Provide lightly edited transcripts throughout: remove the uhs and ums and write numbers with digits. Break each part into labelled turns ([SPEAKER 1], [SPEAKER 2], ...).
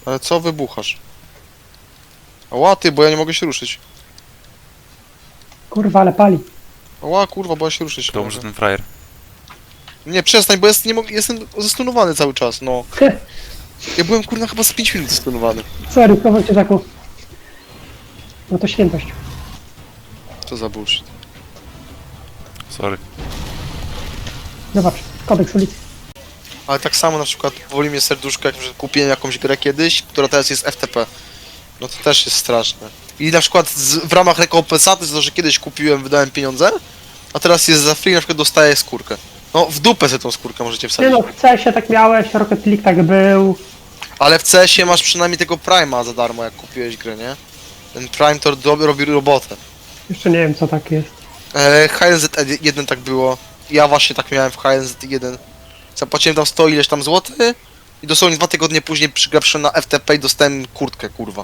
[SPEAKER 1] Ale co wybuchasz? Ała ty, bo ja nie mogę się ruszyć.
[SPEAKER 2] Kurwa, ale pali.
[SPEAKER 1] Ała kurwa, bo ja się ruszyć
[SPEAKER 3] To
[SPEAKER 1] nie
[SPEAKER 3] może
[SPEAKER 1] mogę.
[SPEAKER 3] ten frajer.
[SPEAKER 1] Nie, przestań, bo nie mogę, jestem zestunowany cały czas, no. Ja byłem kurna chyba z 5 minut zestunowany.
[SPEAKER 2] Sorry, proszę cię taką. No to świętość.
[SPEAKER 1] Co za bullshit.
[SPEAKER 3] Sorry.
[SPEAKER 2] Zobacz, kodeks ulicy.
[SPEAKER 1] Ale tak samo na przykład boli mnie serduszko, jak że kupiłem jakąś grę kiedyś, która teraz jest FTP. No to też jest straszne. I na przykład w ramach rekompensaty za to, że kiedyś kupiłem, wydałem pieniądze, a teraz jest za free, na przykład dostaję skórkę. No w dupę sobie tą skórkę możecie
[SPEAKER 2] Nie
[SPEAKER 1] wsadzić.
[SPEAKER 2] no, w CS-ie tak miałeś, Rocket League tak był.
[SPEAKER 1] Ale w CS-ie masz przynajmniej tego Prime'a za darmo, jak kupiłeś grę, nie? Ten Prime to robi robotę.
[SPEAKER 2] Jeszcze nie wiem co tak jest.
[SPEAKER 1] HNZ1 tak było. Ja właśnie tak miałem w HNZ1. Zapłaciłem tam 100 ileś tam złotych i dosłownie 2 tygodnie później przygrałem na FTP i dostałem kurtkę, kurwa.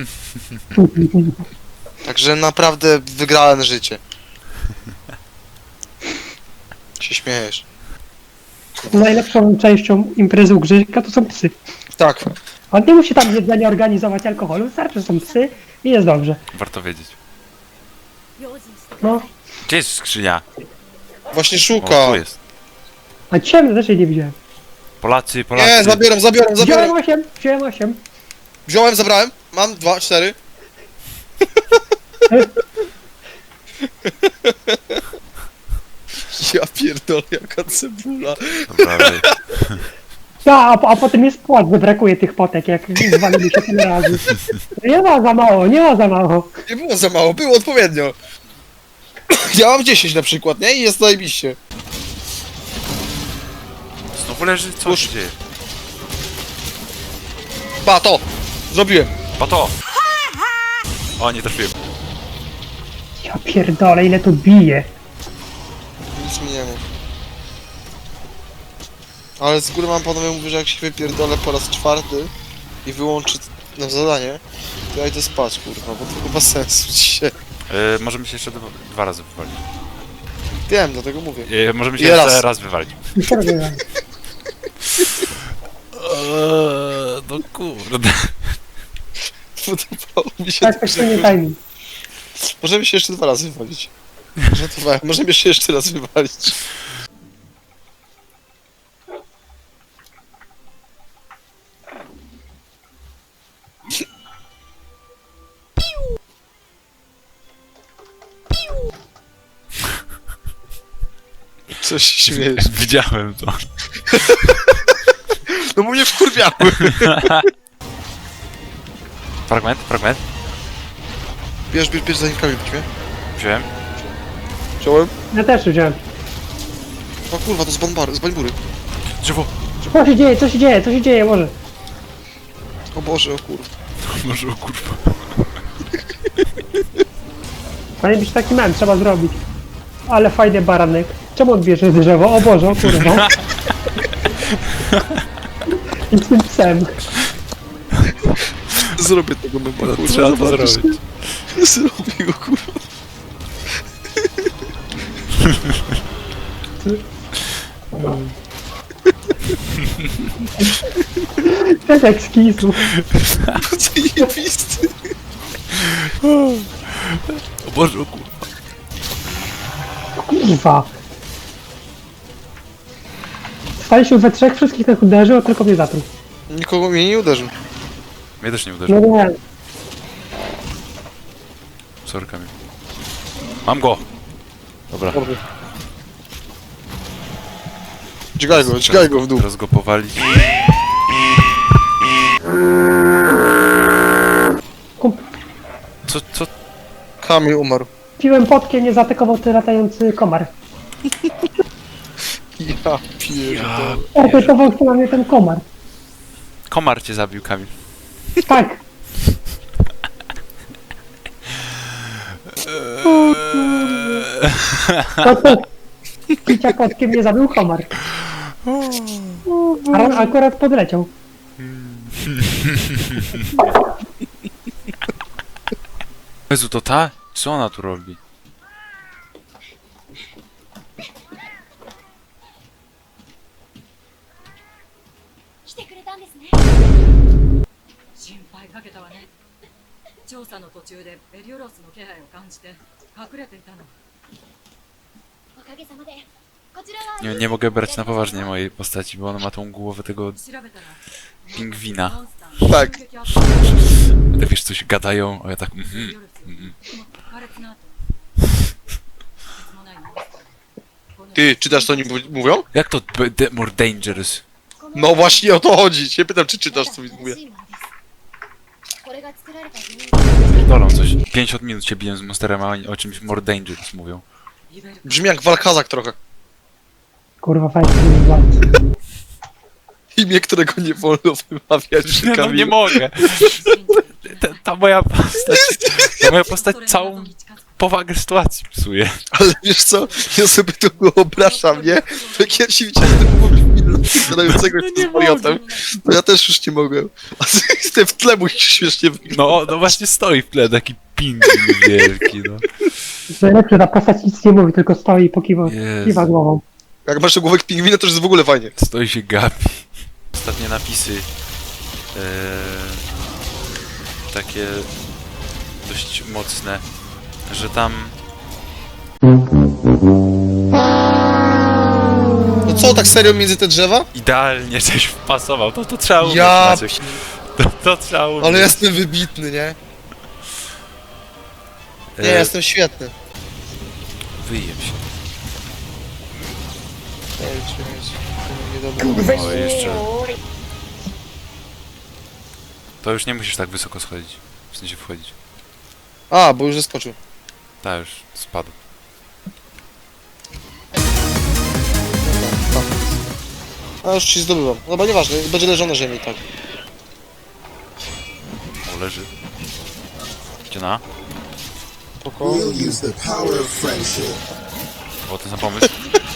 [SPEAKER 1] Także naprawdę wygrałem życie. Się śmiejesz.
[SPEAKER 2] Najlepszą częścią imprezy u Grzyka to są psy.
[SPEAKER 1] Tak.
[SPEAKER 2] On nie musi tam jedzenia organizować alkoholu, wystarczy, że są psy i jest dobrze.
[SPEAKER 3] Warto wiedzieć.
[SPEAKER 2] No,
[SPEAKER 3] Gdzie jest skrzynia?
[SPEAKER 1] Właśnie
[SPEAKER 3] O,
[SPEAKER 1] szuka.
[SPEAKER 3] tu jest.
[SPEAKER 2] a ciemno też jej nie widziałem.
[SPEAKER 3] Polacy, Polacy.
[SPEAKER 1] Nie, zabieram.
[SPEAKER 2] Wziąłem 8.
[SPEAKER 1] Wziąłem, zabrałem. Mam 2, 4. Ja pierdolę, jaka cebula.
[SPEAKER 3] Dobra, dalej.
[SPEAKER 2] A potem jest płat, bo brakuje tych potek, jak zwalili się tyle razy. Nie ma za mało, nie ma za mało.
[SPEAKER 1] Nie było za mało, było odpowiednio. Ja mam 10 na przykład, nie? I jest zajebiście.
[SPEAKER 3] Znowu leży? Co się dzieje?
[SPEAKER 1] Ba, to! Zrobiłem.
[SPEAKER 3] Pato! O, nie trafiłem.
[SPEAKER 2] Ja pierdolę, ile tu bije.
[SPEAKER 1] Nic mi nie mów. Ale z góry mam panowie mówię, że jak się wypierdolę po raz 4 i wyłączy na zadanie, to ja idę spać, kurwa, bo to chyba sensu dzisiaj.
[SPEAKER 3] Możemy się jeszcze dwa razy wywalić.
[SPEAKER 1] Wiem, dlatego mówię.
[SPEAKER 3] Możemy się
[SPEAKER 1] I
[SPEAKER 3] jeszcze
[SPEAKER 1] raz.
[SPEAKER 3] raz wywalić.
[SPEAKER 2] Już się robiłem.
[SPEAKER 3] No kurde.
[SPEAKER 1] Podobało mi się
[SPEAKER 2] Tak, to nie timing.
[SPEAKER 1] Możemy się jeszcze 2 razy wywalić. Żartowałem, możemy się jeszcze raz wywalić. Coś się śmiejesz.
[SPEAKER 3] Widziałem to.
[SPEAKER 1] No bo mnie wkurwiały.
[SPEAKER 3] Fragment, fragment.
[SPEAKER 1] Bierz, zanim kamień weźmie.
[SPEAKER 3] Wziąłem.
[SPEAKER 1] Wziąłem.
[SPEAKER 2] Ja też wziąłem.
[SPEAKER 1] O kurwa, to z bańbury.
[SPEAKER 3] Drzewo.
[SPEAKER 2] Co się dzieje, co się dzieje, może.
[SPEAKER 1] O Boże, o kurwa.
[SPEAKER 3] Może o kurwa.
[SPEAKER 2] Powinien być taki mem, trzeba zrobić. Ale fajny baranek. Czemu odbierze drzewo? O Boże, o kurwa. I z tym psem.
[SPEAKER 1] Zrobię tego mema, kurwa.
[SPEAKER 3] Trzeba to
[SPEAKER 1] zobaczysz.
[SPEAKER 3] zrobić.
[SPEAKER 1] Zrobię go, kurwa.
[SPEAKER 2] Efekt skisu.
[SPEAKER 1] Zajebisty.
[SPEAKER 3] O Boże, o kurwa.
[SPEAKER 2] Kurwa. Staliśmy we trzech, wszystkich tych uderzył, a tylko mnie zatruł.
[SPEAKER 1] Nikogo mnie nie uderzył.
[SPEAKER 3] Mnie też nie
[SPEAKER 2] No
[SPEAKER 3] uderzył.
[SPEAKER 2] nie.
[SPEAKER 3] Sorry, Kamil. Mam go! Dobra.
[SPEAKER 1] Dźgaj go w dół.
[SPEAKER 3] Teraz go powalić. Co?
[SPEAKER 1] Kamil umarł.
[SPEAKER 2] Piłem potkę, nie zaatakował ty latający komar.
[SPEAKER 1] Ja pierdolę.
[SPEAKER 2] Opytował się na mnie ten komar.
[SPEAKER 3] Komar cię zabił, Kamil.
[SPEAKER 2] Tak. Picia kotkiem nie zabił komar. A on akurat podleciał.
[SPEAKER 3] Jezu, to ta? Co ona tu robi?
[SPEAKER 4] かけたわね。調査の途中でエリオロスの気配を感じて隠れていたの。
[SPEAKER 5] おかげさまでこちらは
[SPEAKER 3] Nie mogę brać na poważnie mojej postaci, bo ona ma tą głowę tego
[SPEAKER 4] 調べたら
[SPEAKER 3] pingwina.
[SPEAKER 4] モンスター
[SPEAKER 1] Tak.
[SPEAKER 4] 襲撃あった。
[SPEAKER 3] Te wiesz, coś gadają, a ja tak
[SPEAKER 4] エリオロスよ。でも破裂の後別もないモンスター。この
[SPEAKER 1] Ty, czytasz co oni mówią?
[SPEAKER 3] Jak to more dangerous?
[SPEAKER 1] No właśnie o to chodzi. Cię pytam, czy czytasz co mi mówię.
[SPEAKER 5] これが作られた理由
[SPEAKER 3] Pierdolą coś. 50 minut się biję z monsterem, a oni o czymś more dangerous mówią.
[SPEAKER 4] イベル
[SPEAKER 1] Brzmi jak Walkazak trochę.
[SPEAKER 2] Kurwa, fajnie nie jest bardzo.
[SPEAKER 1] Imię, którego nie wolno wymawiać.
[SPEAKER 3] No
[SPEAKER 1] Kamil.
[SPEAKER 3] nie mogę. Ta moja postać całą powagę sytuacji psuje.
[SPEAKER 1] Ale wiesz co? Ja sobie to wyobrażam, nie? Jak ja się widziałem tego gadającego
[SPEAKER 3] No
[SPEAKER 1] z
[SPEAKER 3] nie
[SPEAKER 1] wariotem, to ja też już nie mogę. A ty w tle musisz śmiesznie wyglądać.
[SPEAKER 3] No właśnie stoi w tle taki pingwin wielki, no.
[SPEAKER 2] Najlepsze, ta postać nic nie mówi, tylko stoi i pokiwa
[SPEAKER 3] Jezu.
[SPEAKER 2] głową.
[SPEAKER 1] Jak masz głowek pingwina, to już jest w ogóle fajnie.
[SPEAKER 3] Stoi się gapi. Ostatnie napisy. Takie dość mocne, że tam
[SPEAKER 1] No co, tak serio między te drzewa?
[SPEAKER 3] idealnie coś wpasował. To trzeba umieć,
[SPEAKER 1] Ja
[SPEAKER 3] Maciek. To trzeba umieć.
[SPEAKER 1] Ale jestem wybitny, nie? Nie, jestem świetny.
[SPEAKER 3] Wyjem się.
[SPEAKER 1] Ej, nie
[SPEAKER 3] O, jeszcze. To już nie musisz tak wysoko schodzić. W sensie wchodzić.
[SPEAKER 1] A, bo już zeskoczył.
[SPEAKER 3] Ta już spadł.
[SPEAKER 1] A już ci zdobywam. Dobra, nieważne, będzie leżał na ziemi, tak.
[SPEAKER 3] O, leży. Gdzie na?
[SPEAKER 1] Spoko.
[SPEAKER 6] We'll use the power of friendship.
[SPEAKER 3] O, ten sam pomysł.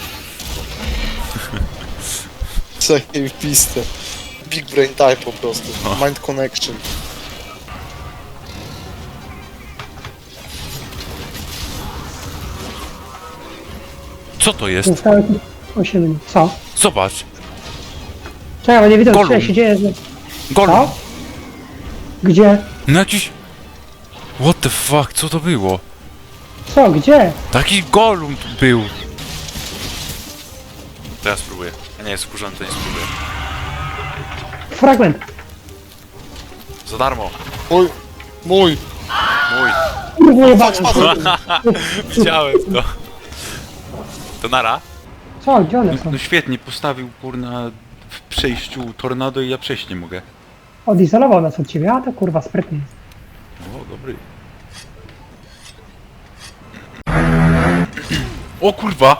[SPEAKER 1] Zajebiste. Big brain type po prostu. Mind connection.
[SPEAKER 3] Co to jest?
[SPEAKER 2] Zostało 8 minut. Co?
[SPEAKER 3] Zobacz.
[SPEAKER 2] Czekaj, bo nie widzę,
[SPEAKER 3] Gollum.
[SPEAKER 2] co się dzieje.
[SPEAKER 3] Golem.
[SPEAKER 2] Co? Gdzie?
[SPEAKER 3] No jakiś... What the fuck, co to było?
[SPEAKER 2] Co? Gdzie?
[SPEAKER 3] Taki golum tu był. To ja spróbuję. Ja nie jest skurzony, to nie spróbuję.
[SPEAKER 2] Fragment.
[SPEAKER 3] Za darmo.
[SPEAKER 1] Mój. Mój.
[SPEAKER 3] Mój.
[SPEAKER 2] Kurwa jebana.
[SPEAKER 3] Widziałem to. To nara?
[SPEAKER 2] Co? Gdzie one są?
[SPEAKER 3] No świetnie, postawił kurna w przejściu tornado i ja przejść nie mogę.
[SPEAKER 2] Odizolował nas od ciebie, a to kurwa sprytnie jest.
[SPEAKER 3] O, dobry. O kurwa!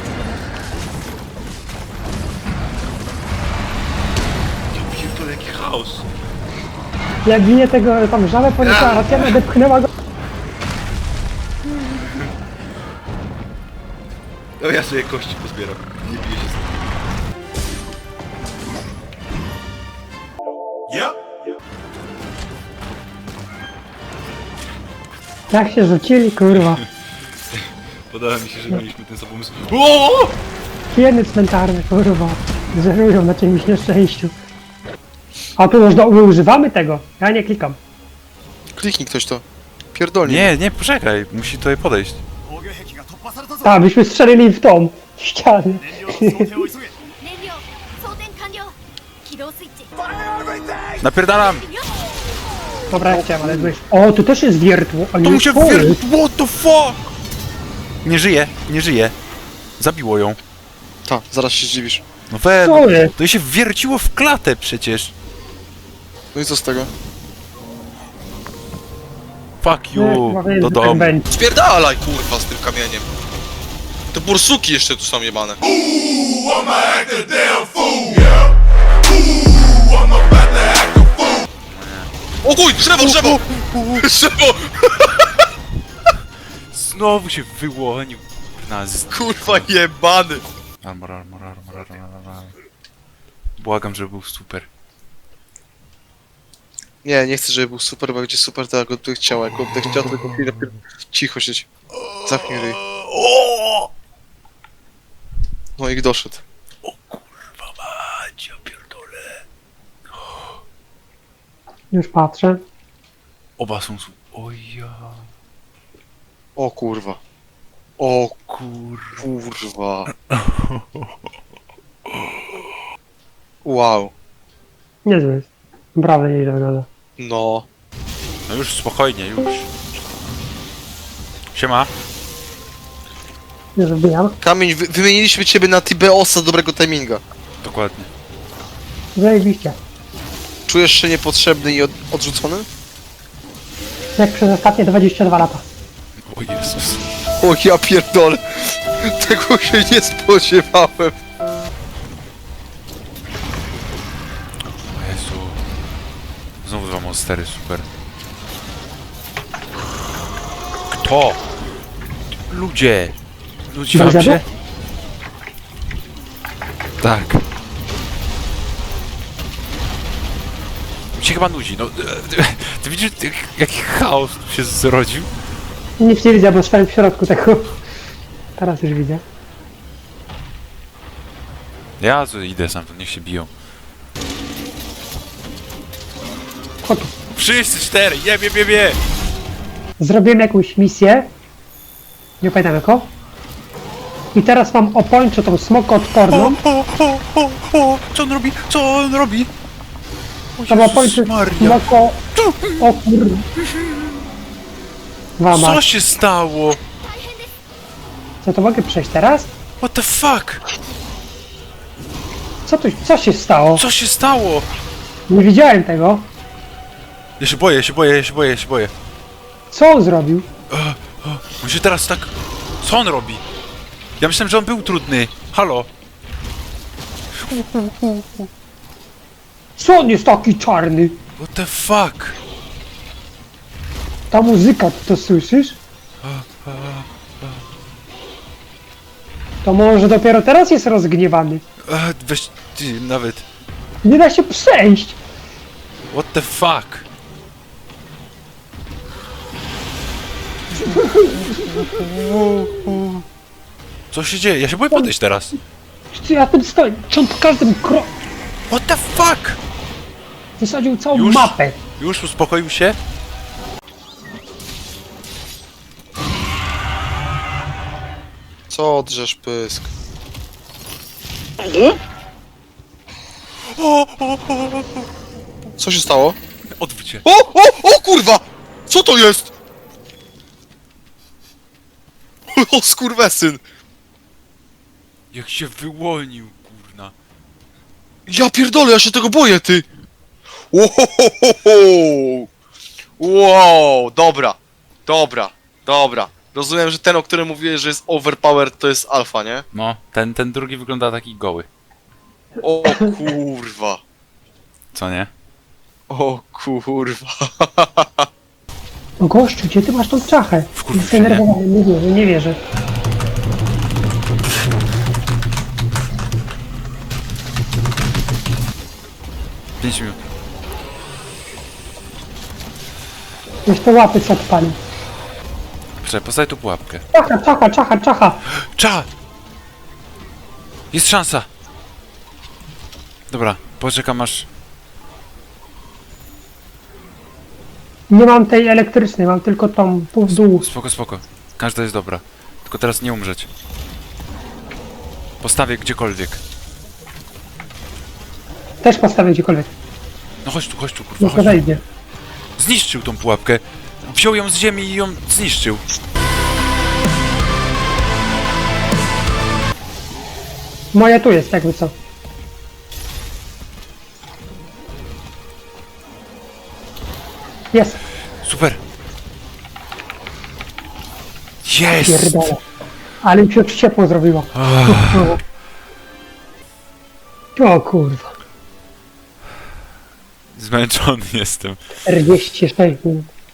[SPEAKER 3] Ja pierdolę, jaki chaos.
[SPEAKER 2] Jak ginie tego tam żabę poniosła, Ratiana odepchnęła go.
[SPEAKER 3] No ja sobie kości pozbieram. Nie piję się z tym.
[SPEAKER 2] Jak się rzucili, kurwa.
[SPEAKER 3] Podoba mi się, że mieliśmy ten sam pomysł. O!
[SPEAKER 2] Hieny cmentarne, kurwa. Zerują na czymś nieszczęściu. A tu można, my używamy tego. Ja nie klikam.
[SPEAKER 1] Kliknij ktoś to. Pierdolnie.
[SPEAKER 3] Nie, nie, poczekaj, musi tutaj podejść.
[SPEAKER 2] Tak, byśmy strzelili w tą ścianę.
[SPEAKER 5] 燃料装填完了起動スイッチ
[SPEAKER 3] Napierdalam!
[SPEAKER 2] Dobra, ja chciałem, ale złeś. O, tu też jest wiertło. A
[SPEAKER 3] To
[SPEAKER 2] nie
[SPEAKER 3] mu się
[SPEAKER 2] jest
[SPEAKER 3] wwier... What the fuck? Nie żyje, nie żyje. Zabiło ją.
[SPEAKER 1] Ta, zaraz się zdziwisz.
[SPEAKER 3] No we,
[SPEAKER 2] Co jest?
[SPEAKER 3] to jej się wwierciło w klatę przecież.
[SPEAKER 1] No i co z tego?
[SPEAKER 3] Fuck
[SPEAKER 2] Nie,
[SPEAKER 3] you,
[SPEAKER 2] chyba wiesz,
[SPEAKER 3] do
[SPEAKER 2] że tak
[SPEAKER 3] domu.
[SPEAKER 2] będzie.
[SPEAKER 1] Spierdalaj, kurwa, z tym kamieniem. Te bursuki jeszcze tu są jebane. O chuj, drzewo, drzewo! Drzewo!
[SPEAKER 3] Znowu się wyłonił. Nas.
[SPEAKER 1] Kurwa jebany!
[SPEAKER 3] Armor. Błagam, żeby był super.
[SPEAKER 1] Nie, nie chcę, żeby był super, bo jak będzie super, to ja go tu chciał. Jak go będę chciał, to tylko chwilę... Cicho siedź. Zamknij ryj. No i doszedł.
[SPEAKER 3] Kurwa mać, ja pierdolę.
[SPEAKER 2] Już patrzę.
[SPEAKER 3] Oba są su... Oja...
[SPEAKER 1] O kurwa. O
[SPEAKER 3] Kur...
[SPEAKER 1] kurwa. Wow.
[SPEAKER 2] Niezły jest. Brawo, nieźle wygląda.
[SPEAKER 1] No.
[SPEAKER 3] No już spokojnie, już. Siema.
[SPEAKER 2] Już wbijam.
[SPEAKER 1] Kamień, wymieniliśmy ciebie na Tibeosa dobrego timinga.
[SPEAKER 3] Dokładnie.
[SPEAKER 2] Zajebiście.
[SPEAKER 1] Czujesz się niepotrzebny i odrzucony?
[SPEAKER 2] Jak przez ostatnie 22 lata.
[SPEAKER 3] O Jezus.
[SPEAKER 1] O ja pierdolę. Tego się nie spodziewałem.
[SPEAKER 3] O Jezu. Znowu dwa monstery, super. Kto? Ludzie! Ludzie wam
[SPEAKER 2] Dobrze?
[SPEAKER 3] się? Tak. Mi się chyba nudzi, no. Ty widzisz, jaki chaos tu się zrodził?
[SPEAKER 2] Nic nie widzę, bo stałem w środku tego. Teraz już widzę.
[SPEAKER 3] Ja idę sam, to niech się biją.
[SPEAKER 2] Chodź.
[SPEAKER 3] Wszyscy cztery! Je!
[SPEAKER 2] Zrobiłem jakąś misję. Nie pamiętam jaką. I teraz mam opończę tą smokoodporną.
[SPEAKER 3] Co on robi? Co on robi? O
[SPEAKER 2] Tam opończę
[SPEAKER 3] Maria!
[SPEAKER 2] smoko... O kur... Wama.
[SPEAKER 3] Co się stało?
[SPEAKER 2] Co, to mogę przejść teraz?
[SPEAKER 3] What the fuck?
[SPEAKER 2] Co się stało?
[SPEAKER 3] Co się stało?
[SPEAKER 2] Nie widziałem tego.
[SPEAKER 3] Ja się boję.
[SPEAKER 2] Co on zrobił?
[SPEAKER 3] On się teraz tak... Co on robi? Ja myślałem, że on był trudny. Halo?
[SPEAKER 2] Co on jest taki czarny?
[SPEAKER 3] What the fuck?
[SPEAKER 2] Ta muzyka, ty to słyszysz? To może dopiero teraz jest rozgniewany.
[SPEAKER 3] Weź ty nawet.
[SPEAKER 2] Nie da się przejść.
[SPEAKER 3] What the fuck? Co się dzieje? Ja się boję podejść teraz.
[SPEAKER 2] Ja tym stoję. Czy on po każdym kroku
[SPEAKER 3] What the fuck?
[SPEAKER 2] wysadził całą
[SPEAKER 3] Już?
[SPEAKER 2] mapę?
[SPEAKER 3] Już uspokoił się?
[SPEAKER 1] Co drzesz pysk? Co się stało?
[SPEAKER 3] Odwróć się.
[SPEAKER 1] O kurwa! Co to jest? O skurwesyn!
[SPEAKER 3] Jak się wyłonił, kurna.
[SPEAKER 1] Ja pierdolę, ja się tego boję, ty! Ohohoho! Wow, dobra. Rozumiem, że ten, o którym mówiłeś, że jest overpowered, to jest alfa, nie?
[SPEAKER 3] No, ten drugi wygląda taki goły.
[SPEAKER 1] O kurwa.
[SPEAKER 3] Co nie?
[SPEAKER 1] O kurwa.
[SPEAKER 2] No gościu, gdzie ty masz tą czachę?
[SPEAKER 3] Wkurwił
[SPEAKER 2] Jestem
[SPEAKER 3] się, nie?
[SPEAKER 2] zdenerwowany, nie wierzę.
[SPEAKER 3] Pięć minut.
[SPEAKER 2] Już te łapy co odpalił.
[SPEAKER 3] Poczekaj, postawię tu pułapkę.
[SPEAKER 2] Czacha.
[SPEAKER 3] Cza! Jest szansa! Dobra, poczekam aż...
[SPEAKER 2] Nie mam tej elektrycznej, mam tylko tą pół w dół.
[SPEAKER 3] Spoko. Każda jest dobra. Tylko teraz nie umrzeć. Postawię gdziekolwiek.
[SPEAKER 2] Też postawię gdziekolwiek.
[SPEAKER 3] No chodź tu, kurwa,
[SPEAKER 2] Nie
[SPEAKER 3] chodź tu.
[SPEAKER 2] wejdzie.
[SPEAKER 3] Zniszczył tą pułapkę. Wziął ją z ziemi i ją zniszczył.
[SPEAKER 2] Moja tu jest, jakby co. Jest,
[SPEAKER 3] Super. Jest!
[SPEAKER 2] pierdolę. Ale mi się już ciepło zrobiło. O kurwa.
[SPEAKER 3] Zmęczony jestem.
[SPEAKER 2] 46 minut.